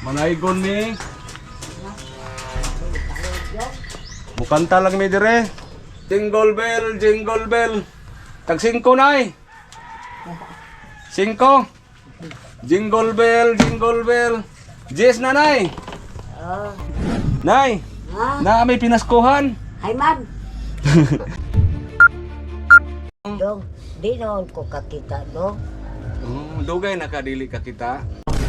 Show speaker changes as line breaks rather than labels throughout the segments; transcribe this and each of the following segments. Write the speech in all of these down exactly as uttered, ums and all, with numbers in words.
Manaygon mi. Mukanta lang mi dire. Jingle bell, jingle bell. Tag singko nay. Singko. Jingle bell, jingle bell. Yes na nay.
Oh.
Nay.
Ha?
Na may pinaskuhan.
Hay man. Dong, di noon ko kakita dong.
Oh, dugay nakadili ka kita.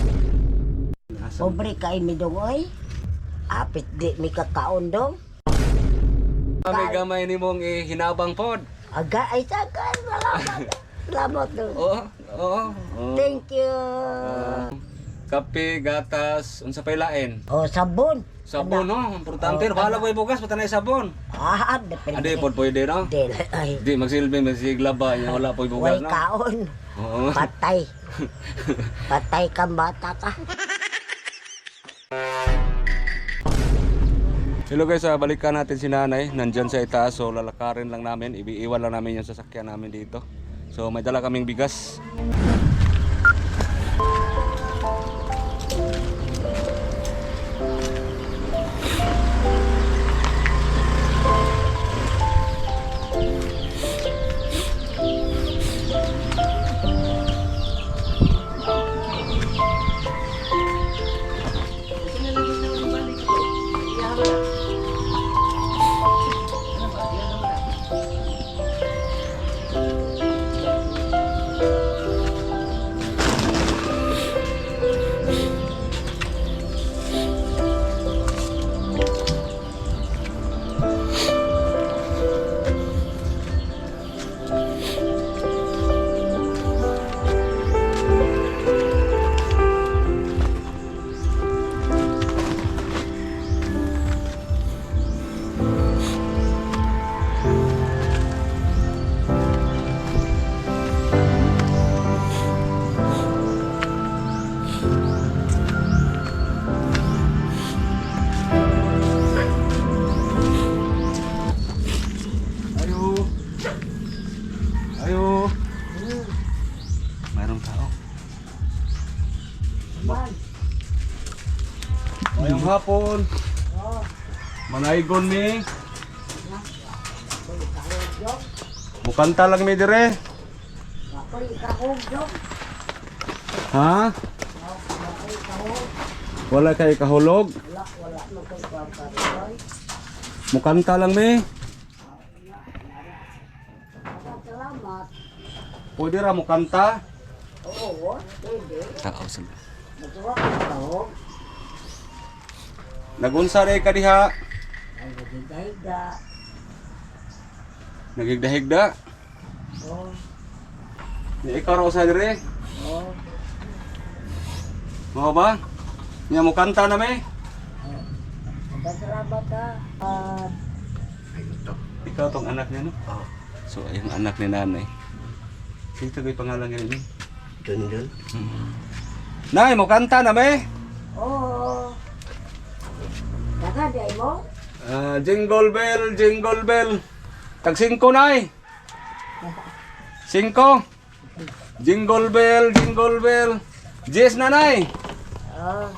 Pobre kay mi dong oy. Apit di mi kakaon dong.
May gamay ni mong hinabang pod.
Aga ay sakan salamat. Salamat dong.
Oo, oo.
Thank you.
Uh, kape, gatas, unsa pay lain?
Oh, sabon.
Sabon no, importante. Oh, bahala ko bugas patanay sabon.
Ah, depende.
Ade pod pwede no.
Del ay.
Di magsilbi magsiglaba nya wala po bugas
Way
no.
kaon.
Oo.
Patay. Patay ka bata ka.
Hello guys, uh, balikan natin si nanay. Nandyan sa itaas, so lalakarin lang namin. Iiwan lang namin yung sasakyan namin dito. So may dala kaming bigas. Mayang hapon. Manaygon mi. Mukanta lang mi dire. Ha? Wala kay kahulog. Mukanta lang mi.
Salamat.
Pwede ra mukanta.
Oo, pwede.
Tao sila.
Natuwa ka.
Nagunsa rin ka diha.
Ay, nagigayga.
Nagigdahigda.
Oh,
Di ikaw raw sa dire.
oh.
Mo ba? Nya mo kanta na me.
Salamat ka. At
Ikaw tong anak niya no? Oo. So yung anak ni nanay. Sino kay pangalan niya ni?
dun dun.
Hmm. Nay, mo kanta na me.
Oo. Nakaday mo?
Ah, jingle bell, jingle bell. Tag singko nay. Singko. Jingle bell, jingle bell. Yes na nay.
Oh.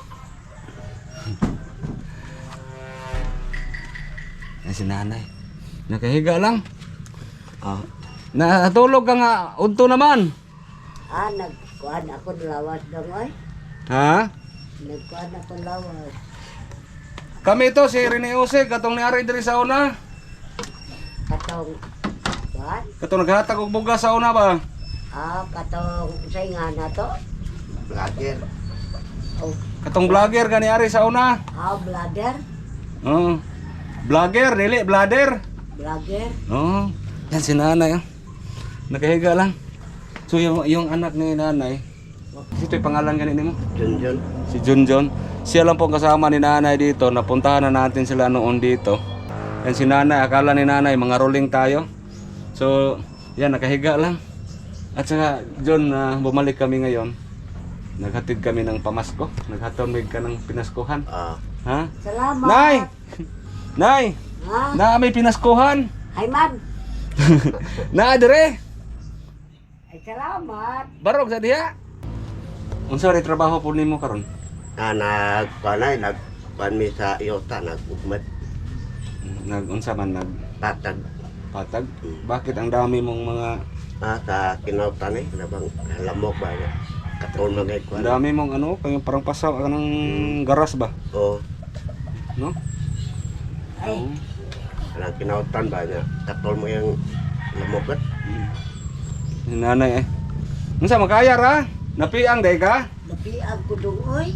Yan si nanay. Nakahiga lang. Ah. Natulog ka nga. Udto naman.
Ah, nagkuhan ako lawas dong oy.
Ha?
Nagkuhan ako lawas.
Kami to si Rene Jose, katong niari diri sa una.
Katong, what?
Katong naghatag og bugas sa una ba?
Ah, katong saingan na to?
Vlogger.
Oh,
Katong vlogger ka niari sa una.
ah, vlogger?
Oo. Vlogger, dili, blader.
Vlogger?
Oo. Yan si nanay. Oh. Nakahiga lang. So yung, yung anak ni nanay, ito yung pangalan ganito mo?
Jun Jun.
Si Junjun. Siya lang pong kasama ni nanay dito. Napuntahan na natin sila noon dito. Yan si nanay, akala ni nanay mga rolling tayo. So, yan, nakahiga lang. At saka, John, uh, bumalik kami ngayon. Naghatid kami ng pamasko. Naghatomig ka ng pinaskuhan.
Ah.
Ha?
Salamat!
Nay! Nay!
Ha?
Na may pinaskuhan!
Hay man!
Na dire!
Ay, salamat!
Barog sa diha! Unsa rin trabaho po nimo karon?
Ah, nag, panay, nag, pan mi sa iyota, nag-ugmat,
Nag-unsa man
patag.
nagpatag? Bakit ang dami mong mga
Ah, sa kinautan eh, nabang lamok ba, katol mga
ang
ikuan.
dami mong ano, kaya parang pasaw ka ng garas ba?
O,
No?
Ay,
Oo.
anang kinautan ba niya, katol mo yung lamok at.
Si nanay eh. Unsa makaya ra? Napiang day ka?
napiag ko dong, oy.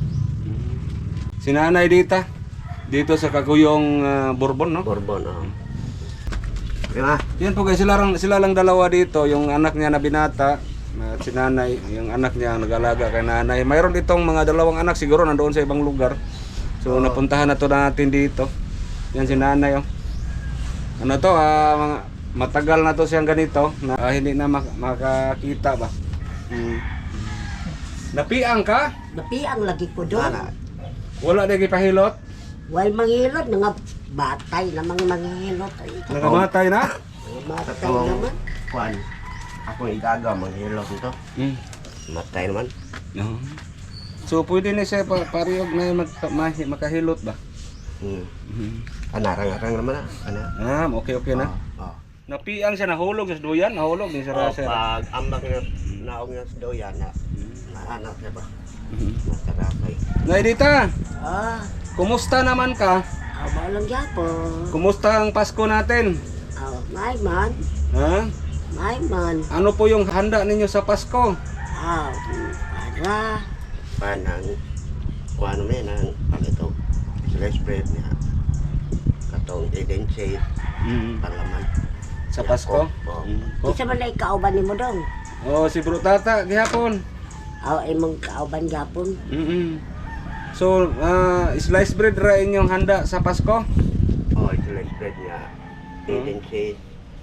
Si nanay dita. Dito sa Kaguyong ah, Bourbon, no?
Borbon, o. Diba?
Yan po guys, sila lang, sila lang dalawa dito, yung anak niya na binata, at si nanay, yung anak niya ang nag-alaga kay nanay. Mayroon ditong mga dalawang anak siguro nandoon sa ibang lugar. So napuntahan na to natin dito. Yan si nanay oh. Ano to, ah, mga, matagal na to siyang ganito, na ah, hindi na mak- makakita ba. Hmm. Napiang ka?
Napiang lagi ko dong.
Ana,
Wala na gipahilot?
Wal mangilot, nga batay namang mangilot. Ay,
Nakamatay na?
batay
katong,
naman.
kuan, akong igaga, manghilot nito.
Hmm.
Matay naman.
No. So pwede na siya pa parehog na mag, ma- makahilot ba?
Hmm.
Hmm.
Anarang-arang naman ah. Ana.
Ah, okay okay na.
Oh, oh.
Napiang siya, nahulog sa duyan, nahulog din sa
Oh,
raser.
pag ambak nga naong nga sa doyan na nahanap siya ba?
Mhm.
Masarapay.
Naidita,
Ah,
kumusta naman ka?
awa lang yapon.
Kumusta ang Pasko natin?
Ah, may man,
Ha?
may man.
Ano po yung handa ninyo sa Pasko?
Ah, para.
Panang kuan mo yan ang palito. Slice bread niya. Katong Eden shade, palaman.
Sa Pasko?
Oh.
Mm. Oh.
Isa man na ikauban ni mo dong.
Oh, si Bro Tata, gihapon.
Aw, imong kauban yapon.
Mm So, ah, slice bread ra inyong handa sa Pasko?
Oh, slice bread niya. Eden shade.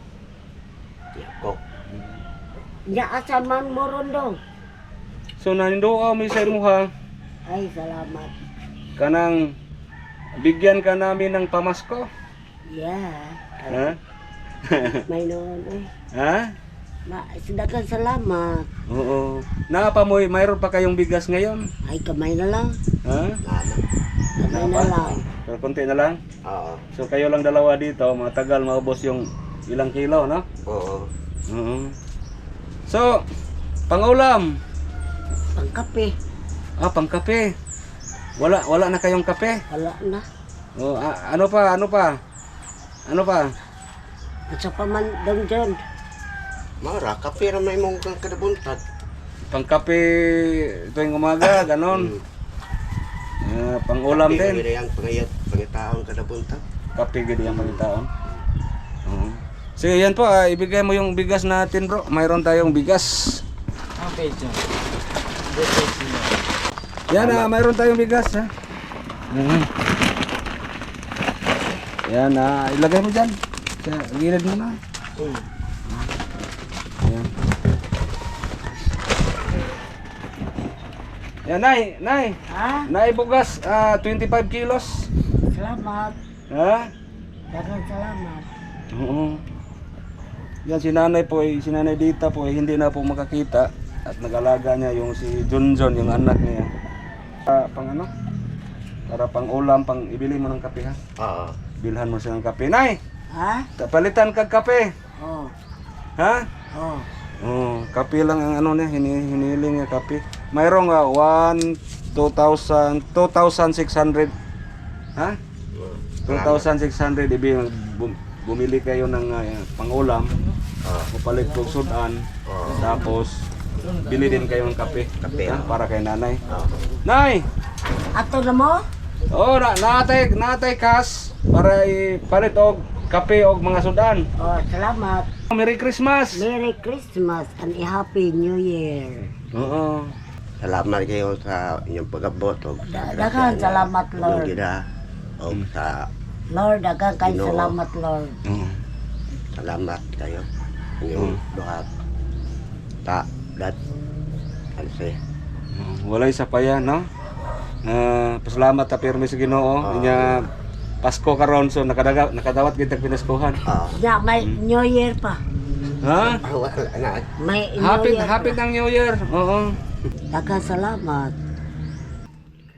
Yakok.
Nya asa man mo ron dong.
So, nanindoa mo sa imuha,
Ay, salamat.
kanang bigyan ka namin ng pamasko.
Yeah.
Ha?
May noon eh.
Ha?
Ma, sidakan salamat.
Oo. Naapamoy, mayroon pa kayong bigas ngayon?
Ay, kamay na lang.
Ha?
Nana.
Kamay na lang.
Pero konti na lang.
Oo.
So kayo lang dalawa dito, matagal maubos yung ilang kilo, no?
Oo.
Oo. So, pangulam.
Pangkape.
Ah, pangkape. Wala, wala na kayong kape?
Wala na.
Oh, a- ano pa, ano pa? Ano pa?
At sa paman dong dyan.
Mara, kape na may mong kang kadabuntag.
Pangkape tuwing umaga, ganon. Ah, pangulam din.
Kape na yung pangayat, pangitaon kadabuntag.
Kape gid ang pangitaon. Oo. Sige, yan po, ah, ibigay mo yung bigas natin, bro. Mayroon tayong bigas.
Okay, John.
Yan, ah, mayroon tayong bigas, ha. Mhm. Yan, ah, ilagay mo dyan. Sa gilid mo na. Yan. Yan, Nay, Nay.
Ha?
Nay, bugas, ah, twenty-five kilos.
Salamat.
Ha?
Dagang salamat.
Oo. Yan, si nanay po, eh, si nanay Dita po, eh, hindi na po makakita. At nag-alaga niya yung si Junjun, yung anak niya. Ah, pang ano? Para pang ulam, pang ibili mo ng kape, ha?
Oo.
Bilhan mo siya ng kape. Nay,
Ha?
palitan kag kape.
Oh.
Ha?
Oh.
Oh, kape lang ang ano niya, hini, hiniling niya kape. Mayroong uh, one, two thousand, two thousand six hundred. Ha? two thousand six hundred, ibi, bum, bumili kayo ng uh, pangulam,
Oo.
mapalit kong sudan,
Oo.
tapos bili din kayo ng kape,
Kape,
ha?
oh.
Para kay nanay.
Oo.
Nay!
Ato na mo?
Oh, na natay natay kas para ipalit og kape og mga sudan.
Oh, salamat.
Merry Christmas.
Merry Christmas and a Happy New Year.
Oo.
Salamat kayo sa inyong pag-abot. o sa
Daghang
grasya na
salamat, Lord.
inyong gida. O sa
Lord, dagang kay
Ginoo.
salamat, Lord.
Oo.
salamat kayo. Inyong duha. Ta, dat, alse.
Walay sa paya, no? Ah, pasalamat ta pirmi sa Ginoo. Inya Pasko karon so nakadaga nakadawat gid tag pinaskuhan.
Oo.
Ya, may New Year pa.
Ha?
Ah, wala na.
May New
Happy
Year
happy
pa.
ng New Year. Oo.
Daghang salamat.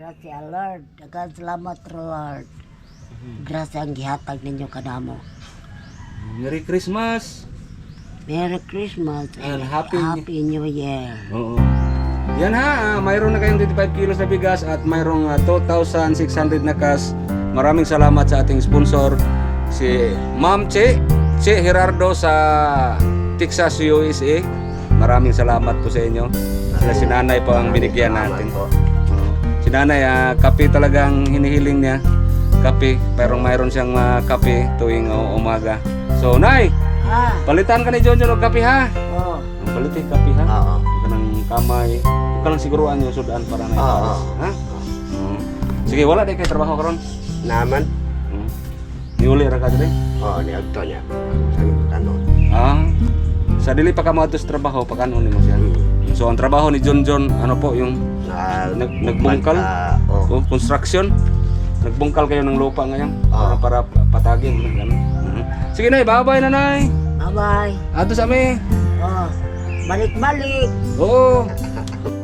Gracia Lord. Daghang salamat Lord. Grasya ang gihatag ninyo kanamo.
Merry Christmas.
Merry Christmas
And
and
Happy-
Happy New Year.
Oo. Yan ha, ah, mayroon na kayong twenty-five kilos na bigas at mayroong ah, two thousand six hundred na cash. Maraming salamat sa ating sponsor, si Ma'am Che, Che Gerardo sa Texas, U S A. Maraming salamat po sa inyo. Sila si Nanay po ang binigyan natin.
Po.
Oo. Si Nanay, ah, kape talagang hinihiling niya. Kape, pero mayroon siyang ah, kape tuwing ah, umaga. So, Nay,
Ah,
palitan ka ni John John og kape ha.
oh.
Ang palit eh, kape ha.
Oo.
Huwag ka ng kamay. Huwag ka lang siguruan yung sudan para na
Oo.
ipares. Ha? Oo. Sige, wala di kayo trabaho karon.
Naman.
Oo. Niuli ra ka dili?
Oo, ni Agto niya. Sa kanon.
Ah. Sa dili pa ka mo sa trabaho, pakanon nimo siya. So ang trabaho ni John John, ano po yung
Na,
Nag- nagbungkal?
Oo.
oh, construction? Nagbungkal kayo ng lupa ngayon
Oo.
para para patagin ganun. Mhm. Sige Nay, bye-bye na Nay.
Bye-bye.
Ato sa mi.
Oh. Balik-balik.
Oo.